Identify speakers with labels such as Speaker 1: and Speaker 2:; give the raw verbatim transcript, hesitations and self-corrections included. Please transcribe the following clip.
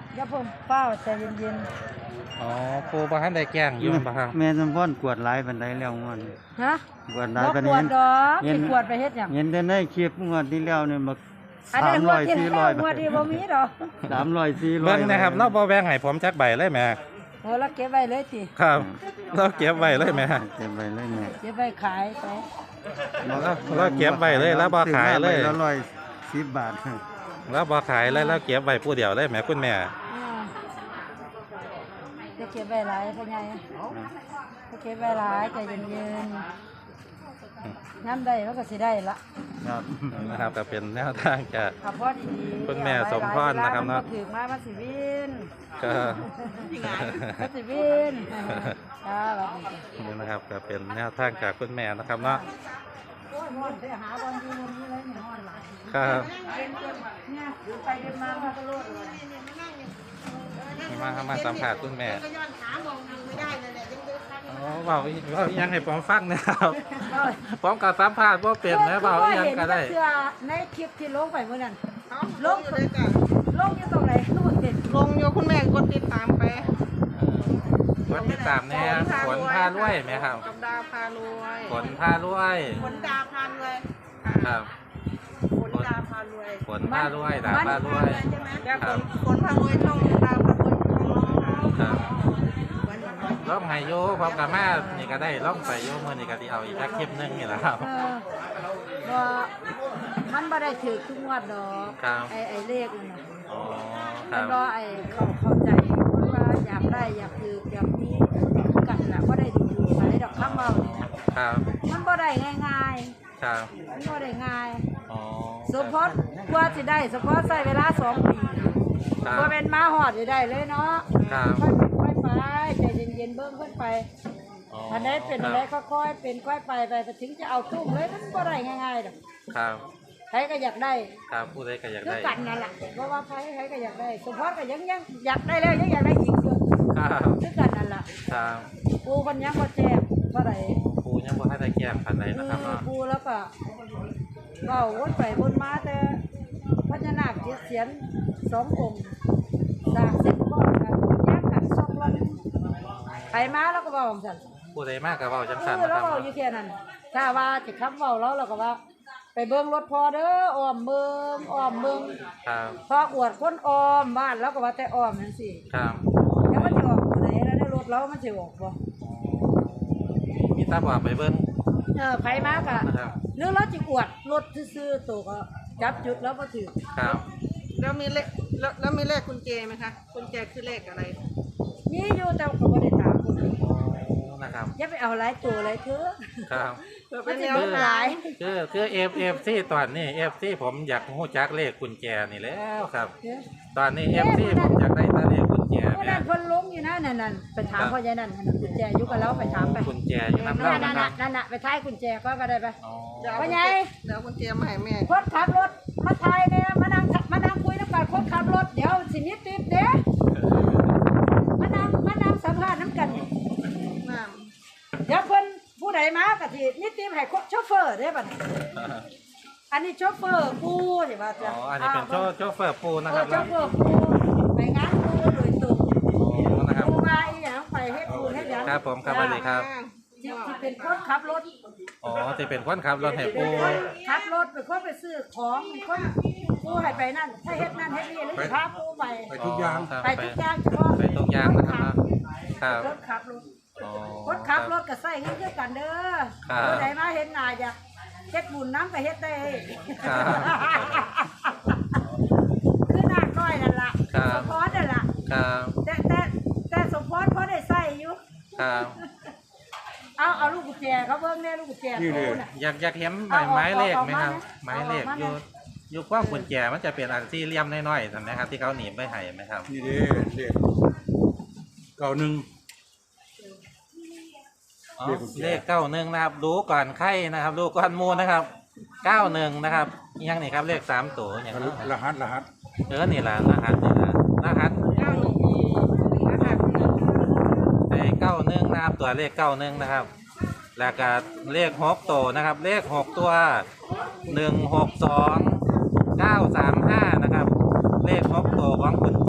Speaker 1: อย่าเพิ่งเป้าใจเย็น
Speaker 2: อ๋อปูบ่ทันได้แกล้งอยู่บ่ครับ
Speaker 3: แม่สมพรกวดหลายปานใดแล้วงวดนี้
Speaker 1: ๆฮะ
Speaker 3: กวดหลาย
Speaker 1: บ่
Speaker 3: ปาน
Speaker 1: กว
Speaker 3: นี้
Speaker 1: ดดอกสิกวดไปเฮ็ดหยัง
Speaker 3: เห็นแต่ในคลิปงวดที่แล้วเนี่ยมา
Speaker 1: อัน
Speaker 3: สา
Speaker 1: นี้
Speaker 3: ม
Speaker 1: ง
Speaker 3: ร้
Speaker 1: ว
Speaker 3: อ
Speaker 1: ด
Speaker 3: ย
Speaker 1: ที่
Speaker 3: สี่
Speaker 1: แล้
Speaker 3: ร้
Speaker 1: ว
Speaker 3: อย
Speaker 1: งวดนี้บ่มีดอก
Speaker 3: สามร้อยสี่ร้อย
Speaker 2: เบิ่งนะครับเราบ่แบ่งให้ผมจักใบเลยแม่
Speaker 1: โอ้แล้วเก็บไว้เลยติ
Speaker 2: ครับเราเก็บไว้เลยแม่
Speaker 3: เก็บไว้เลยแม่
Speaker 1: เก็บไว้ขายไป
Speaker 2: เราเราเก็บไว้เลยแล้วบ่ขายเลย
Speaker 3: ซื้อมใบละร้อยสิบบาท
Speaker 2: แล้วบ่ขายเลยแล้วเก็บไว้ผู้เดียวเลยแม่คุณแม่
Speaker 1: อ่าจะเก็บไว้หลายพ่อใหญ่จะเก็บไว้หลายใจเย็นๆน้ำได้มันก็สิได้ละ
Speaker 3: ครับ
Speaker 2: นะครับก็เป็นแนวทางจาก
Speaker 1: ขับพอดีๆ
Speaker 2: คุณแม่สมพรนะครับเนาะ
Speaker 1: วลมัถือมามันสิวิน
Speaker 2: ก็
Speaker 1: มันสิวินจ้าบัดนี้
Speaker 2: นี่นะครับก็เป็นแนวทางจากคุณแม่นะครับเนาะ
Speaker 1: โอ้ยฮ้อนไปหาบอลดีบอลนี้เลยเนี่ยฮ้อนหลาย
Speaker 2: ครับ
Speaker 1: เนี่ยไปเดินมามันก็โลดเลย
Speaker 2: มามาสัมผัสคุณแม่
Speaker 4: ก็ย้อนขามองทางไม่ได้เลยแหละยังเดินทาง
Speaker 2: อ๋อเบาเบาอีหยังให้ผมฟังนะครับผมกับสัมภาษณ์ว่าเป็นนะเบาอีหยังก็ได้
Speaker 1: เห็นเสื้อในคลิปที่ลงไปเมื่อนั้น
Speaker 4: เอ้าลงอยู่เลยจ้ะ
Speaker 1: ลงอยู่ตรงไหนก็บ่เห็น
Speaker 4: ลงอยู่คุณแม่กดติดตามไป
Speaker 2: วันที่สามเนี่ยฝนพาลุยไหมครับ
Speaker 4: กับดาพารวย
Speaker 2: ฝนพาลุย
Speaker 4: ฝนดาพารวย
Speaker 2: ครับ
Speaker 4: ฝนดาพารวย
Speaker 2: ฝนพาลุยดาพาลุย
Speaker 4: ใช่ไหมจ้ะฝนฝนพารวยช่องดาพารวยช่องน้อง
Speaker 2: ครับ
Speaker 4: วันหนึ่งร้อย
Speaker 2: ล่องไฮโยพร้อมกับแม่นี่ก็ได้ล่องไปโยเมื่อนี่ก็ที่เอาอีกแค่คลิปหนึงนี่แหละครับ
Speaker 1: เออว่ามันบ่ได้ถือทุกงวดดอก
Speaker 2: ครับ
Speaker 1: ไอ้ไอ้เลขนั่นน่ะ
Speaker 2: อ๋อค
Speaker 1: แล้
Speaker 2: รั
Speaker 1: ว
Speaker 2: บ
Speaker 1: ก็ไอ้เขาเข้าใจว่าอยากได้อยากถืออยากมีกันแหละบ่ได้ดูดูอะไรดอกคำเว้านี่นะครับ มันบ่ได้ง่าย
Speaker 2: ครับ
Speaker 1: ๆมันบ่ได้ง่าย
Speaker 2: อ๋อ
Speaker 1: สมพรกว่าสิได้สมพรใช้เวลาสองปี
Speaker 2: ครับ
Speaker 1: บ่เป็นมาฮอดสิได้เลยเนาะ
Speaker 2: ครับ
Speaker 1: ค่อยเป็นค่อยไปใจเย็นๆเบิ่งเพิ่นไป
Speaker 2: อ๋อ
Speaker 1: อันนี้เป็น
Speaker 2: ค
Speaker 1: อะ
Speaker 2: บ
Speaker 1: ไรค่อยๆเป็นค่อยไปไปถึงจะเอาตุ้มเลยมันบ่ได้ง่ายๆดอก
Speaker 2: ครับ
Speaker 1: ใครก็อยากได้
Speaker 2: ครับผู้ใดก็อยาก
Speaker 1: คือ
Speaker 2: ได้
Speaker 1: กันนั่นแหละเพราะว่าใครใครก็อยากได้สมพรก็ยังยังอยากได้แล้วยังอยากได้อีกอยู่
Speaker 2: ครับ
Speaker 1: คือกันนั่นแหละ
Speaker 2: ครับ
Speaker 1: ปูมันยังบ่แจ้งเท่าไหร่
Speaker 2: ปูยังบ่ให้ได้แก้มพันใดนะครับ
Speaker 1: คือ
Speaker 2: เนาะ
Speaker 1: ปูแล้วก็ก็วนไปวนมาแต่พญานาคเจ็ดเสียนสององค์สร้างเสร็จก่อนกันแยกกันสองวันไปมาแล้วก็เว้าจังซั่น
Speaker 2: ผู้ใดมากกับเบาจังสัน
Speaker 1: เออ
Speaker 2: นะค
Speaker 1: เรา
Speaker 2: รับ
Speaker 1: เว้าอยู่แค่นั้นถ้าว่าจะคำเว้าเราเราก็ว่า ไปเบิ่งรถพอเด้ออ้อมเบิ่งอ้อมเบิ่ง
Speaker 2: ครับ
Speaker 1: พออวดคนอ้อมบ้านแล้วก็ว่าแต่อ้อมจังซี่
Speaker 2: ครับ
Speaker 1: แล้วมันจะออกตัวไหนแล้วในรถเรามันจะออกบ่
Speaker 2: มีตาบอดไปเบิ้ง
Speaker 1: เออไผมากะ
Speaker 2: นะครับ
Speaker 1: หรือเราจะอวดรถซื่อๆตัวก็จับจุดแล้วบ่ถือ
Speaker 2: ครับ
Speaker 4: แล้วมีเลขแล้วแล้วมีเลขกุญแจไหมคะกุญแจคือเลขอะไร
Speaker 1: มีอยู่แต่ก็บ่ได้ถามคนอื่น
Speaker 2: นะครับ
Speaker 1: อย่าไปเอาหลายตัวหลายเถือ
Speaker 2: ครับ
Speaker 4: เพื่อ
Speaker 1: มั
Speaker 4: เป็น น
Speaker 1: สิ
Speaker 4: แนว
Speaker 1: เบิดห
Speaker 4: ทา
Speaker 1: ลาง ย
Speaker 2: คือคือเอฟเอฟซีตอนนี้เอฟซีผมอยากหู้จักเลขกุญแจนี่แล้วครับ ตอนนี้เอฟซีผมอยากได้แต่เลขกุญแจ
Speaker 1: เพราะ
Speaker 2: เนี่
Speaker 1: นั้
Speaker 2: ย
Speaker 1: นเพิ่นลงอยู่นะนั่นๆไปถามพ่อใหญ่นั่นหั่นน่ะกุญแจอยู่กับเราไปถามไป
Speaker 2: กุญแจอยู่น้ำ
Speaker 1: นั่
Speaker 2: เล่าน นะ
Speaker 1: น่ะ
Speaker 2: ครับ
Speaker 1: นั่นน่ะไปท้ายกุญแจก็ก็ได้ไป
Speaker 2: อ๋อ
Speaker 1: พ่อใหญ่
Speaker 4: เดี๋ยวกุญแจมาให้แม่
Speaker 1: คนขับรถมาทายเนี่ยมานั่งมานั่งคุยน้ำกันคนขับรถเดี๋ยวสิมีติดเด้มานั่งมานั่งสัมภาษณ์น้ำกันนี่
Speaker 4: น้
Speaker 1: เดี๋ยวเพิ่นผู้ใดมากะทิมีติมให้โชเฟอร์เด้บัดนี้อันนี้โชเฟอร์ปูสิว่า
Speaker 2: อ๋
Speaker 1: จ้ะ
Speaker 2: ออันนี้เป็นโชว์โชเฟอร์ปูนะ
Speaker 1: เอ
Speaker 2: ครั
Speaker 1: อบ โชเฟอร์ปูไปงานปูโดยตรง
Speaker 2: อ๋อนะครับ
Speaker 1: ปูมาอีหยังไปเฮ็ดปูเฮ็ดหยัง
Speaker 2: ครับผมครับสวัสดีครับ
Speaker 1: ที่ที่เป็นคนขับรถ
Speaker 2: อ๋อที่เป็นคนขับรถให้ปู
Speaker 1: ขับรถเป็นคนไปซื้อของเป็นคนปูให้ไปนั่นถ้าเฮ็ดนั่นเฮ็ดนี่หรือสิพาปูไป
Speaker 2: ไปทุกอย่าง
Speaker 1: ไปทุกอย่างเฉพาะ
Speaker 2: ไปทุกอย่างนะครับครับ
Speaker 1: รถขับรถ
Speaker 2: อ๋อ
Speaker 1: คนขับรถก็ใส่เงินคือกันเด้อ
Speaker 2: ครับ
Speaker 1: ผู้ใดมาเห็นหน้าอยากเฮ็ดบุญน้ำก็เฮ็ดได้
Speaker 2: ครับ
Speaker 1: คือหน้าก้อยนั่นล่ะ
Speaker 2: ครับ
Speaker 1: สมพรนั่นล่ะ
Speaker 2: ครับ
Speaker 1: แต่แต่แต่สมพรพอได้ใส่อยู่
Speaker 2: ครับ
Speaker 1: เอาเอาลูกกุญแจเขาเบิ่งแน่ลูกกุญแจปูน่ะ
Speaker 2: อยากอยากเห็นหมายไม้เลขไหมครับ
Speaker 1: เอาออก
Speaker 2: ไม้เลข
Speaker 1: เอาออกมา
Speaker 2: อยู่อยู่กว้างกุญแจมันจะเป็นอันที่เลี่ยมน้อยๆใช่ไหมครับที่เขาหนีบไม่ให้ไหมครับ
Speaker 3: นี่เด้เด็กเก่าหนึ่ง
Speaker 2: อ๋อ
Speaker 3: เลขกุญแจ
Speaker 2: เลขเก้าหนึ่งนะครับรู้ก่อนไข่นะครับรู้ก่อนหมูนะครับเก้าหนึ่งนะครับอิหยังนี่ครับเลขสามตัวอย่างนั้น
Speaker 3: รหัสรหัส
Speaker 2: เออนี่แหละรหัสนี่แหละรหัส
Speaker 4: ำเก้าหนึ่งอีนะครับ
Speaker 2: ไอ้เก้าหนึ่งนะครับตัวเลขเก้าหนึ่งนะครับ แล้วก็เลขหกตัวนะครับ เลขหกตัวหนึ่งหกสองเก้าสามห้านะครับ เลขหกตัวของคุณ